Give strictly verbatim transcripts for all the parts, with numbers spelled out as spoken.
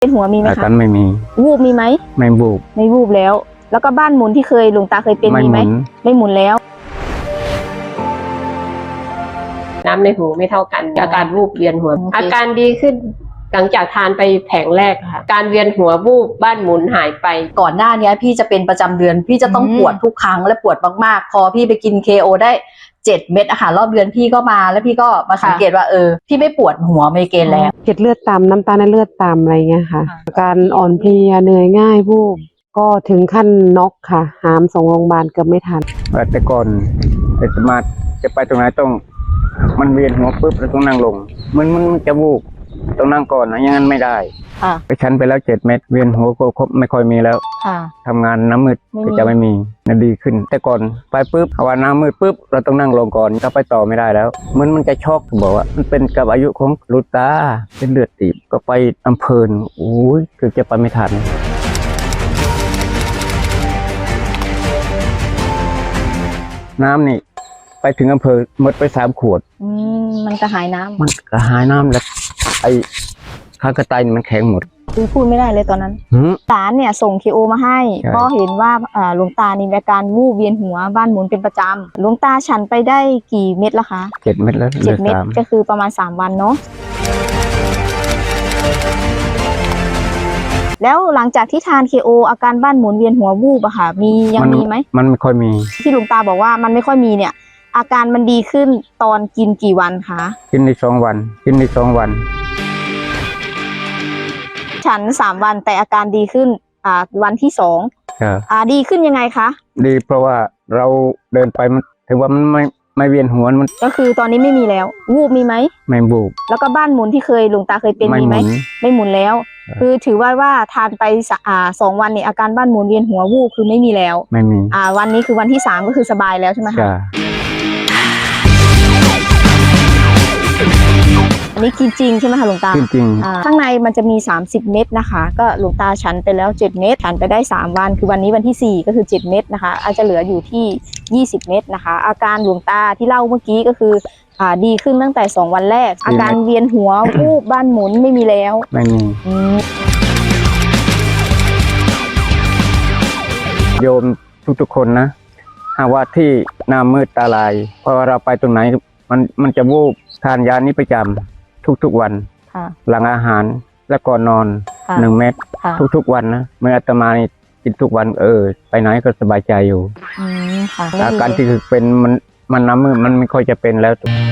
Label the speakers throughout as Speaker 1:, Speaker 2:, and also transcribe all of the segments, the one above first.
Speaker 1: เป็นหัวมีไหม
Speaker 2: อา
Speaker 1: คะ
Speaker 2: การไม่มี
Speaker 1: วูบมีไหม
Speaker 2: ไม่บูบ
Speaker 1: ไม่วูบแล้ว แล้วก็บ้านหมุนที่เคยหลวงตาเคยเป็น
Speaker 2: ไม่
Speaker 1: มี
Speaker 2: ห
Speaker 1: ไหม
Speaker 2: มุน
Speaker 1: ไม่หมุนแล้ว
Speaker 3: น้ำในหูไม่เท่ากันอาการวูบเวียนหัว
Speaker 1: โอเค
Speaker 3: อาการดีขึ้นหลังจากทานไปแผงแรกค่ะ การเวียนหัววูบบ้านหมุนหายไป
Speaker 4: ก่อนหน้านี้พี่จะเป็นประจำเดือน พี่จะต้อง
Speaker 1: อืม
Speaker 4: ปวดทุกครั้งและปวดมากๆ พอพี่ไปกิน เค โอ ได้เจ็ดเม็ดอาหารรอบเดือนพี่ก็มาแล้วพี่ก็มาสังเกตว่าเออพี่ไม่ปวดหัวไมเกรนแล้ว
Speaker 5: เกล็ดเลือดต่ำน้ำตาลในเลือดต่ำอะไรเงี้ยค่ะอาการอ่อนเพลียเหนื่อยง่ายวูบก็ถึงขั้นน็อกค่ะ หามส่งโรงพยาบาลเกือบไม่ทัน
Speaker 2: แต่ก่อนแต่สมาธิจะไปตรงไหนต้องมันเวียนหัวปุ๊บแล้วต้องนั่งลงมันมันมันจะวูบต้องนั่งก่อนนะอย่างนั้นไม่ได้
Speaker 1: ค่ะ
Speaker 2: ไปชั้นไปแล้วเจ็ดเม็ดเวียนหัวก็ครบไม่ค่อยมีแล้ว
Speaker 1: ค่ะ
Speaker 2: ทำงานน้ำมืด
Speaker 1: ไม่มี
Speaker 2: ก็จะไม่มีนะดีขึ้น แต่ก่อนไปปุ๊บภาวะน้ำมืดปุ๊บเราต้องนั่งลงก่อนถ้าไปต่อไม่ได้แล้วมันมันจะช็อกบอกว่ามันเป็นกับอายุของลูกตาเป็นเลือดตีบก็ไปอำเภอโอ้ยคือจะไปไม่ทันน้ำนี่ไปถึงอำเภอหมดไปสามขวด
Speaker 1: อืมมันจะหายน้ำ
Speaker 2: มันกระหายน้ำแล้วไอ้ข้างกระต่ายนี่มันแข็งหมด
Speaker 1: คือพูดไม่ได้เลยตอนนั้น
Speaker 2: หืม
Speaker 1: หลานเนี่ยส่ง เค โอ มาให้
Speaker 2: ใช่
Speaker 1: ก็เห็นว่าอ่าหลวงตานี่มีอาการวูบเวียนหัวบ้านหมุนเป็นประจำหลวงตาฉันไปได้กี่เม็ดแล้วคะ
Speaker 2: เจ็ดเม็ดแล้วเห
Speaker 1: เจ็
Speaker 2: ลื
Speaker 1: ด
Speaker 2: อ
Speaker 1: เม็ด
Speaker 2: สาม
Speaker 1: ก็คือประมาณสามวันเนาะแล้วหลังจากที่ทาน เค โอ อาการบ้านหมุนเวียนหัววูบอะค่ะ มียังมีไหม
Speaker 2: มันไม่ค่อยมี
Speaker 1: ที่หลวงตาบอกว่ามันไม่ค่อยมีเนี่ย อาการมันดีขึ้นตอนกินกี่วันคะ
Speaker 2: กินในสองวัน กินในสองวัน
Speaker 1: ฉันสามวันแต่อาการดีขึ้นอ่าวันที่สอง
Speaker 2: ครับ
Speaker 1: อ่าดีขึ้นยังไงคะ
Speaker 2: ดีเพราะว่าเราเดินไปมันถือว่ามันไม่ไม่เวียนหัวมัน
Speaker 1: ก็คือตอนนี้ไม่มีแล้ว วูบมีไหม
Speaker 2: ไม่บูบ
Speaker 1: แล้วก็บ้านหมุนที่เคยหลวงตาเคยเป็น
Speaker 2: ไม่
Speaker 1: มี
Speaker 2: ห
Speaker 1: ไหม
Speaker 2: มุน
Speaker 1: ไม่หมุนแล้ว
Speaker 2: ครับ
Speaker 1: คือถือว่าว่าทานไปสะอ่าสองวันเนี่ยอาการบ้านหมุนเวียนหัววูบคือไม่มีแล้ว
Speaker 2: ไม่มี
Speaker 1: อ่าวันนี้คือวันที่สามก็คือสบายแล้วใช่ไหมคะ
Speaker 2: จ้า
Speaker 1: อันนี้กินจริงใช่ไหมคะหลวงตา
Speaker 2: จริง
Speaker 1: อ่าข้างในมันจะมีสามสิบเม็ดนะคะ ก็หลวงตาฉันไปแล้วเจ็ดเม็ดฉันไปได้สามวันคือวันนี้วันที่สี่ก็คือเจ็ดเม็ดนะคะ อาจจะเหลืออยู่ที่ยี่สิบเม็ดนะคะ อาการหลวงตาที่เล่าเมื่อกี้ก็คืออ่าดีขึ้นตั้งแต่สองวันแรก อาการเวียนหัว วูบบ้านหมุนไม่มีแล้ว
Speaker 2: ๆไม่มี
Speaker 1: อืม
Speaker 2: โยมทุกๆคนนะหากว่าที่หน้ามืดตาลายเพราะว่าเราไปตรงไหนมันมันจะวูบทานยานี้ประจำทุกๆวัน
Speaker 1: ค่ะ
Speaker 2: หลังอาหารและก่อนนอน
Speaker 1: ค่ะ
Speaker 2: หนึ่งเม็ด
Speaker 1: ค่ะ
Speaker 2: ทุกๆวันนะเมื่ออาตมานี่กินทุกวันเออ ไปไหนก็สบายใจอยู่
Speaker 1: อืมค่ะ
Speaker 2: อาการที่คือเป็นมันมันน้ำมืดมันไม่ค่อยจะเป็นแล้ว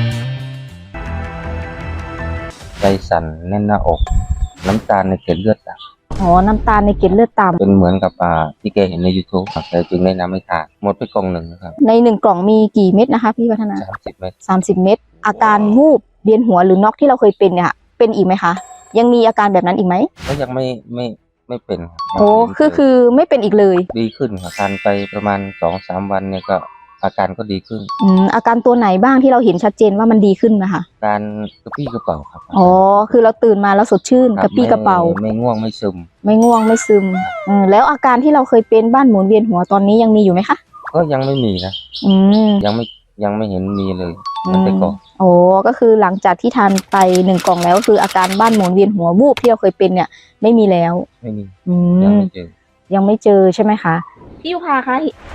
Speaker 6: ใจสั่นแน่นหน้าอก น้ำตาลในเกล็ดเลือดต่
Speaker 1: อ๋อน้ำตาลในเกล็ดเลือดต่
Speaker 6: ำเป็นเหมือนกับอ่าที่แกเห็นใน YouTube ครับแต่จึงแนะนำให้ทานหมดไปกล่องหนึ่งนะครับ
Speaker 1: ำในหนึ่งกล่องมีกี่เม็ดนะคะพี่วัฒนา
Speaker 6: สามสิบเม็ด
Speaker 1: สามสิบเม็ดอาการวูบเวียนหัวหรือน็อกที่เราเคยเป็นเนี่ยค่ะเป็นอีกไหมคะ ยังมีอาการแบบนั้นอีกไหม
Speaker 6: ก็ยังไม่ไม่ไม่เป็นครับ
Speaker 1: โอ้
Speaker 6: ยัง
Speaker 1: คือคือไม่เป็นอีกเลย
Speaker 6: ดีขึ้นครับทานไปประมาณสองสามวันเนี่ยก็อาการก็ดีขึ้น
Speaker 1: อืมอาการตัวไหนบ้างที่เราเห็นชัดเจนว่ามันดีขึ้นนะคะ
Speaker 6: การกระปี้กระเป๋าครับ
Speaker 1: อ๋อคือเราตื่นมาแล้วสดชื่น
Speaker 6: ค
Speaker 1: กระปี้กระเป๋า
Speaker 6: ไม่ไม่ง่วงไม่ซึม
Speaker 1: ไม่ง่วงไม่ซึมอืมแล้วอาการที่เราเคยเป็นบ้านหมุนเวียนหัวตอนนี้ยังมีอยู่ไหมคะ
Speaker 6: ก็ยังไม่มีนะ
Speaker 1: อืม
Speaker 6: ยังไม่ยังไม่เห็นมีเลย
Speaker 1: อื
Speaker 6: มัน
Speaker 1: ม
Speaker 6: แต่ก่อน
Speaker 1: โอ้ก็คือหลังจากที่ทานไปหนึ่งกล่องแล้วคืออาการบ้านหมุนเวียนหัววูบที่เราเคยเป็นเนี่ย ไม่มีแล้ว
Speaker 6: ไม่มี
Speaker 1: อื
Speaker 6: ยัง
Speaker 1: ม
Speaker 6: ไม่เจอ
Speaker 1: ยังไม่เจอใช่ไหมคะพี่ยุพาคะ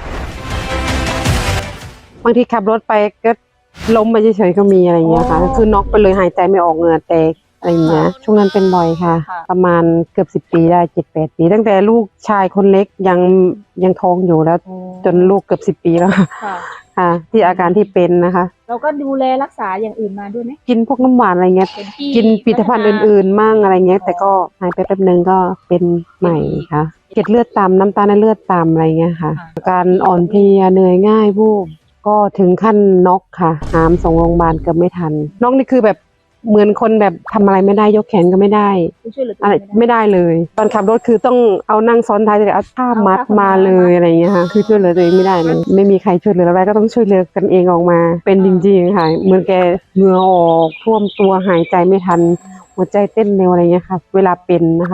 Speaker 5: บางทีขับรถไปก็ล้มไปเฉยๆก็มีอะไรเงี้ยค่ะ
Speaker 1: อ๋อ
Speaker 5: คือน็อกไปเลยหายใจไม่ออกเหงื่อแตกอะไรเงี้ยช่วงนั้นเป็นบ่อยค่ะ
Speaker 1: ค่ะ
Speaker 5: ประมาณเกือบสิบปีได้เจ็ดแปดปี ตั้งแต่ลูกชายคนเล็กยังยังท้องอยู่แล้ว จนลูกเกือบสิบปีแล้วค่ะ
Speaker 1: ค่ะ
Speaker 5: ค่ะ ที่อาการที่เป็นนะคะ
Speaker 1: เราก็ดูแลรักษาอย่างอื่นมาด้วยไหม
Speaker 5: กินพวกน้ำหวานอะไรเงี้ย
Speaker 1: เป็นที่
Speaker 5: กินผลิตภัณฑ์อื่นๆมั่งอะไรเงี้ย
Speaker 1: อ๋อ
Speaker 5: แต่ก็หายไปแป๊บนึงก็เป็นใหม่ค่ะ เกล็ดเลือดต่ำน้ำตาลในเลือดต่ำอะไรเงี้ยค่ะ
Speaker 1: ค่ะ
Speaker 5: อาการอ่อนเพลียเหนื่อยง่ายวูบก็ถึงขั้นน็อกค่ะ หามส่งโรงพยาบาลเกือบไม่ทันน็อกนี่คือแบบเหมือนคนแบบทำอะไรไม่ได้ยกแขนก็ไม่ได้
Speaker 1: ช่วยเหลือตัว
Speaker 5: อะไร
Speaker 1: เอง
Speaker 5: ไม่ได้เลย ตอนขับรถคือต้องเอานั่งซ้อนท้ายแต่เอาผ้ามัดมาเลยอะไรอย่างเงี้ยค่ะคือช่วยเหลือตัวเองไม่ได้เลยไม่มีใครช่วยเหลืออะไรก็ต้องช่วยเหลือกันเองออกมา เป็นจริงๆค่ะเหมือนแกเหงื่อออกท่วมตัวหายใจไม่ทัน หัวใจเต้นเร็วอะไรเงี้ยค่ะ เวลาเป็นนะคะ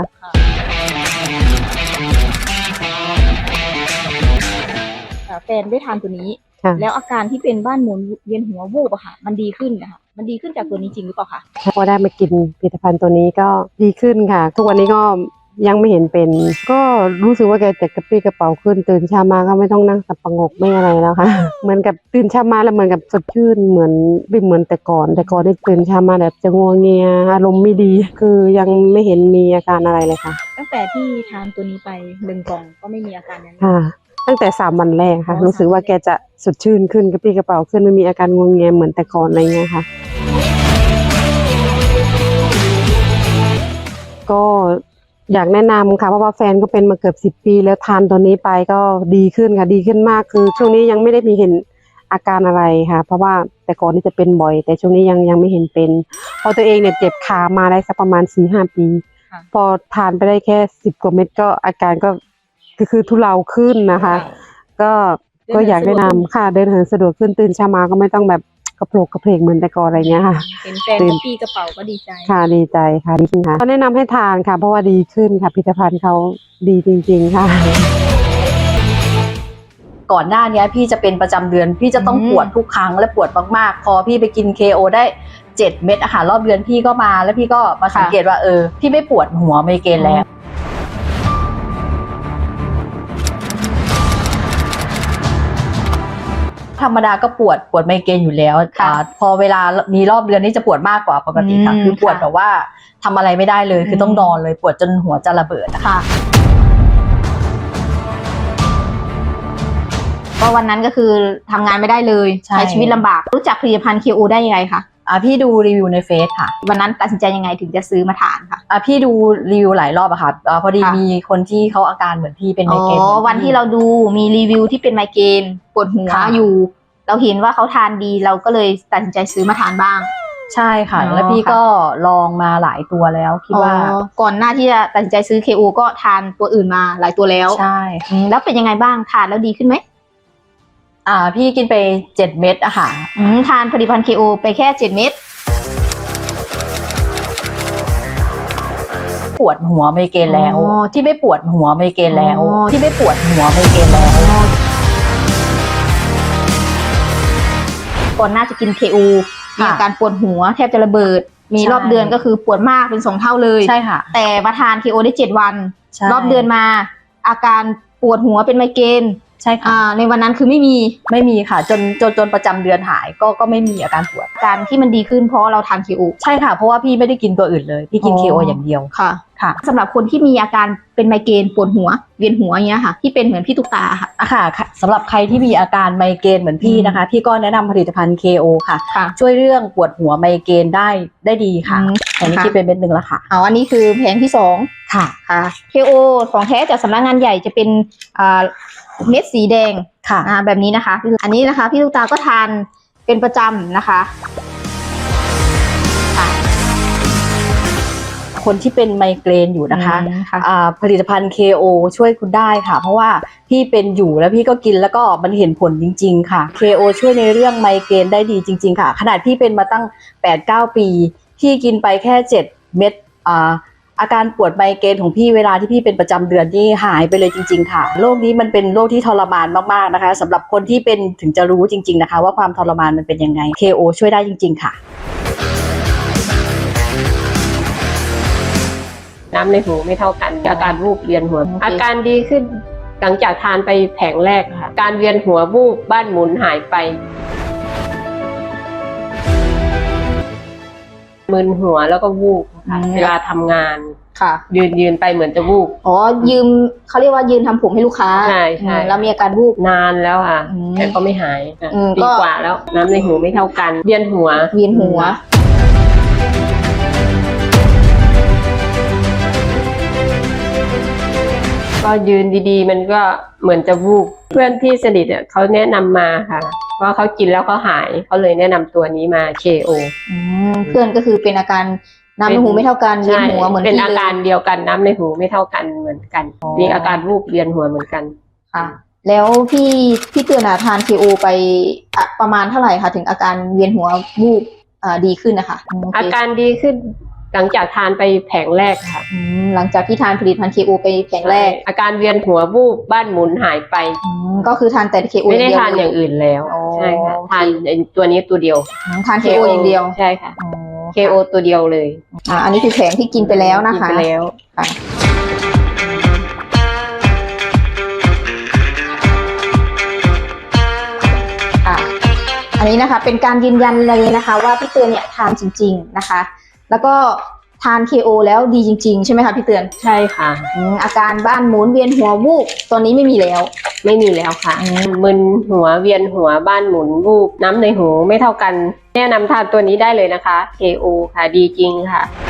Speaker 1: อ่าแฟนได้ทานตัวนี้
Speaker 5: ค่ะ
Speaker 1: แล้วอาการที่เป็นบ้านหมุนเวียนหัววูบอะค่ะ มันดีขึ้นนะคะมันดีขึ้นจากตัวนี้จริงหรือเปล่าคะ
Speaker 5: พอได้มากินผลิตภัณฑ์ตัวนี้ก็ดีขึ้นค่ะ ทุกวันนี้ก็ยังไม่เห็นเป็น ก็รู้สึกว่าแกจะกระปรี้กระเป๋าขึ้นตื่นเช้ามาก็ไม่ต้องนั่งสับประงกไม่อะไรแล้วค่ะ เหมือนกับตื่นเช้ามาแล้วเหมือนกับสดชื่นเหมือนไม่เหมือนแต่ก่อน แต่ก่อนนี่ตื่นเช้ามาแบบจะงัวเงียอารมณ์ไม่ดี คือยังไม่เห็นมีอาการอะไรเลยค่ะ
Speaker 1: ตั้งแต่ที่ทานตัวนี้ไปหนึ่งกล่องก็ไม่มีอาการนั้น
Speaker 5: ค่ะ ตั้งแต่สามวันแรกค่ะ
Speaker 1: อ๋อ
Speaker 5: รู้สึกว่าแกจะสดชื่นขึ้นกระปรี้กระเป๋าขึ้นไม่มีอาการงัวเงียเหมือนแต่ก่อนอะไรเงี้ยค่ะ ก็อยากแนะนำค่ะเพราะว่าแฟนก็เป็นมาเกือบสิบปีแล้วทานตัวนี้ไปก็ดีขึ้นค่ะดีขึ้นมากคือช่วงนี้ยังไม่ได้มีเห็นอาการอะไรค่ะ เพราะว่าแต่ก่อนนี่จะเป็นบ่อย แต่ช่วงนี้ยังยังไม่เห็นเป็นพอตัวเองเนี่ยเจ็บขามาได้สักประมาณสี่ห้าปี พอทานไปได้แค่สิบกว่าเม็ดก็อาการก็คือคือทุเลาขึ้นนะคะ ก็ก็อยากแนะนำค่ะเดินเหินสะดวกขึ้นตื่นเช้ามาก็ไม่ต้องแบบกระโปรงกระเพกเหมือนแต่ก่อนอะไรเงี้ยค่ะ
Speaker 1: เห็นแฟนกระปี้กระเป๋าก็ดีใจ
Speaker 5: ค่ะดีใจค่ะดีขึ้นค่ะก็แนะนำให้ทานค่ะ เพราะว่าดีขึ้นค่ะผลิตภัณฑ์เขาดีจริงๆค่ะ
Speaker 4: ก่อนหน้านี้พี่จะเป็นประจำเดือนพี่จะต้อง
Speaker 1: อืม
Speaker 4: ปวดทุกครั้งและปวดมากๆพอพี่ไปกิน เค โอ ได้เจ็ดเม็ดอาหารรอบเดือนพี่ก็มาแล้วพี่ก็มาสังเกตว่าเออพี่ไม่ปวดหัวไมเกรนแล้วธรรมดาก็ปวดปวดไมเกรนอยู่แล้ว
Speaker 1: ค่ะ
Speaker 4: อ่าพอเวลามีรอบเดือนนี่จะปวดมากกว่าปกติค่ะ
Speaker 1: อืม
Speaker 4: คือปวด
Speaker 1: ค่ะ
Speaker 4: แบบว่าทำอะไรไม่ได้เลยคือ
Speaker 1: ม
Speaker 4: ต้องนอนเลยปวดจนหัวจะระเบิดนะคะ
Speaker 1: ค่ะก็วันนั้นก็คือทำงานไม่ได้เลย
Speaker 4: ใช่
Speaker 1: ใช้ชีวิตลำบากรู้จักผลิตภัณฑ์ เค โอ ได้ยังไงคะ
Speaker 4: อ่าพี่ดูรีวิวในเฟซค่ะ
Speaker 1: วันนั้นตัดสินใจยังไงถึงจะซื้อมาทานค่ะ
Speaker 4: อ่ะพี่ดูรีวิวหลายรอบอะค่ะอ่าพอดี
Speaker 1: ค่ะ
Speaker 4: มีคนที่เขาอาการเหมือนพี่เป็นไม
Speaker 1: อ๋อ
Speaker 4: เกรนหมือพี่
Speaker 1: วันที่เราดูมีรีวิวที่เป็นไมเกรนปวดหัว
Speaker 4: ค่ะ
Speaker 1: อยู่ เราเห็นว่าเขาทานดีเราก็เลยตัดสินใจซื้อมาทานบ้าง
Speaker 4: ใช่ค่ะ
Speaker 1: อ๋อ
Speaker 4: แล้วพี่
Speaker 1: ค่ะ
Speaker 4: ก็ลองมาหลายตัวแล้วคิดว่า
Speaker 1: อ๋อก่อนหน้าที่จะตัดสินใจซื้อ เค โอ ก็ทานตัวอื่นมาหลายตัวแล้ว
Speaker 4: ใช่
Speaker 1: อืมแล้วเป็นยังไงบ้างทานแล้วดีขึ้นไหม
Speaker 4: อ่าพี่กินไปเจ็ดเม็ดอะค่ะ
Speaker 1: อืมทานผลิตภัณฑ์ เค โอ ไปแค่เจ็ดเม็ด
Speaker 4: ปวดหัวไมเกรนแล้ว
Speaker 1: อ๋อ
Speaker 4: ที่ไม่ปวดหัวไมเกรนแล้ว
Speaker 1: อ๋อ
Speaker 4: ที่ไม่ปวดหัวไมเกรนแล้ว
Speaker 1: ก่อนหน้าจะกิน เค โอ มี
Speaker 4: ค่ะ
Speaker 1: อาการปวดหัวแทบจะระเบิด มี
Speaker 4: ใช่
Speaker 1: รอบเดือนก็คือปวดมากเป็นสองเท่าเลย
Speaker 4: ใช่ค่ะ
Speaker 1: แต่มาทาน เค โอ ได้เจ็ดวัน
Speaker 4: ใช่
Speaker 1: รอบเดือนมาอาการปวดหัวเป็นไมเกรน
Speaker 4: ใช่ค่ะ
Speaker 1: อ่าในวันนั้นคือไม่มี
Speaker 4: ไม่มีค่ะจนจนจนประจำเดือนหายก็ก็ไม่มีอาการปวด
Speaker 1: การที่มันดีขึ้นเพราะเราทาน เค โอ
Speaker 4: ใช่ค่ะ เพราะว่าพี่ไม่ได้กินตัวอื่นเลยพี่กิน
Speaker 1: อ๋อ
Speaker 4: เค โอ อย่างเดียว
Speaker 1: ค่ะ
Speaker 4: ค่ะ
Speaker 1: สำหรับคนที่มีอาการเป็นไมเกรนปวดหัวเวียนหัวอย่างเงี้ยค่ะ ที่เป็นเหมือนพี่ตุ๊กตาค่ะ
Speaker 4: อะค่ะค่ะสำหรับใครที่มีอาการไมเกรนเหมือนพี่นะคะ พี่ก็แนะนำผลิตภัณฑ์ เค โอ ค่ะ
Speaker 1: ค่ะ
Speaker 4: ช่วยเรื่องปวดหัวไมเกรนได้ได้ดีค่ะ
Speaker 1: อืม
Speaker 4: อันนี้
Speaker 1: ค่ะ
Speaker 4: คิดเป็นเม็ดหนึ่งแล้วค่ะ
Speaker 1: เอาอันนี้คือแผงที่สอง
Speaker 4: ค่ะ
Speaker 1: ค่ะ เค โอ ของแท้จากสำนักงานใหญ่จะเป็นอ่าเม็ดสีแดง
Speaker 4: ค่ะ
Speaker 1: อ่าแบบนี้นะคะคืออันนี้นะคะพี่ลูกตาก็ทานเป็นประจำนะคะค่ะ
Speaker 4: คนที่เป็นไมเกรนอยู่นะคะ
Speaker 1: อืมค่ะ
Speaker 4: อ่าผลิตภัณฑ์ เค โอ ช่วยคุณได้ค่ะ เพราะว่าพี่เป็นอยู่แล้วพี่ก็กินแล้วก็มันเห็นผลจริง ๆ ค่ะ เค โอ ช่วยในเรื่องไมเกรนได้ดีจริง ๆ ค่ะ ขนาดพี่เป็นมาตั้ง แปดเก้า ปีพี่กินไปแค่เจ็ดเม็ดอ่าอาการปวดไมเกรนของพี่เวลาที่พี่เป็นประจำเดือนนี่หายไปเลยจริง ๆ ค่ะโรคนี้มันเป็นโรคที่ทรมานมากๆนะคะสำหรับคนที่เป็นถึงจะรู้จริง ๆนะคะ ว่าความทรมานมันเป็นยังไง เค โอ ช่วยได้จริง ๆ ค่ะ
Speaker 3: น้ำในหูไม่เท่ากันอาการวูบเวียนหัว
Speaker 1: โอเค
Speaker 3: อาการดีขึ้นหลังจากทานไปแผงแรกค่ะ การเวียนหัววูบบ้านหมุนหายไปมึนหัวแล้วก็วูบค่ะ
Speaker 1: อืม
Speaker 3: เวลาทำงาน
Speaker 1: ค่ะ
Speaker 3: ยืนยืนไปเหมือนจะวูบ
Speaker 1: อ๋อยืมเขาเรียกว่ายืนทำผมให้ลูกค้า
Speaker 3: ใช่ใช่
Speaker 1: อืมแล้วมีอาการวูบ
Speaker 3: นานแล้วค่ะ
Speaker 1: อืม
Speaker 3: แต่ก็ไม่หายค่ะ
Speaker 1: อืม
Speaker 3: ปี
Speaker 1: ก็
Speaker 3: กว่าแล้ว น้ำในหูไม่เท่ากัน เวียนหัว
Speaker 1: เวียนหัว
Speaker 3: ก็ยืนดีๆ มันก็เหมือนจะวูบเพื่อนที่สนิทเนี่ยเขาแนะนำมาค่ะว่าเขากินแล้วเขาหายเขาเลยแนะนำตัวนี้มา เค โอ
Speaker 1: อืมเพื่อนก็คือเป็นอาการน้ำในหูไม่เท่ากันเวียนหัวเหมือน
Speaker 3: เป็น
Speaker 1: พี่
Speaker 3: อา
Speaker 1: เลย
Speaker 3: การเดียวกันน้ำในหูไม่เท่ากันเหมือนกัน มีอาการวูบเวียนหัวเหมือนกัน
Speaker 1: ค่ะ แล้วพี่พี่เตือนอะทาน เค โอ ไปอะประมาณเท่าไหร่คะถึงอาการเวียนหัววูบอ่าดีขึ้นนะคะโเค
Speaker 3: อาการดีขึ้นหลังจากทานไปแผงแรกค่ะ
Speaker 1: อืมหลังจากที่ทานผลิตภัณฑ์ เค โอ ไปแผงแรก
Speaker 3: อาการเวียนหัววูบบ้านหมุนหายไป
Speaker 1: อืมก็คือทานแต่ เค โอ
Speaker 3: ไม่ได้
Speaker 1: เดียว
Speaker 3: ทานอย่างอื่นแล้ว
Speaker 1: อ๋อ
Speaker 3: ใช่ใช่ค่ะทานไอ้ตัวนี้ตัวเดียว
Speaker 1: ทาน เค โอ อย่างเดียว
Speaker 3: ใช่ค่ะ
Speaker 1: อ๋อ
Speaker 3: เค โอ ตัวเดียวเลย
Speaker 1: อ่าอันนี้คือแผงที่กินไปแล้วนะคะ
Speaker 3: กินไปแล้ว
Speaker 1: ค่ะค่ะ อันนี้นะคะเป็นการยืนยันเลยนะคะ ว่าพี่เตือนเนี่ยทานจริง ๆนะคะ แล้วก็ทาน เค โอ แล้วดีจริง ๆ ใช่ไหมคะพี่เตือน
Speaker 3: ใช่ค่ะ
Speaker 1: อืมอาการบ้านหมุนเวียนหัววูบตอนนี้ไม่มีแล้ว
Speaker 3: ไม่มีแล้วค่ะ
Speaker 1: อืม
Speaker 3: มึนหัวเวียนหัวบ้านหมุนวูบน้ำในหูไม่เท่ากัน แนะนำทานตัวนี้ได้เลยนะคะ เค โอ ค่ะดีจริงค่ะ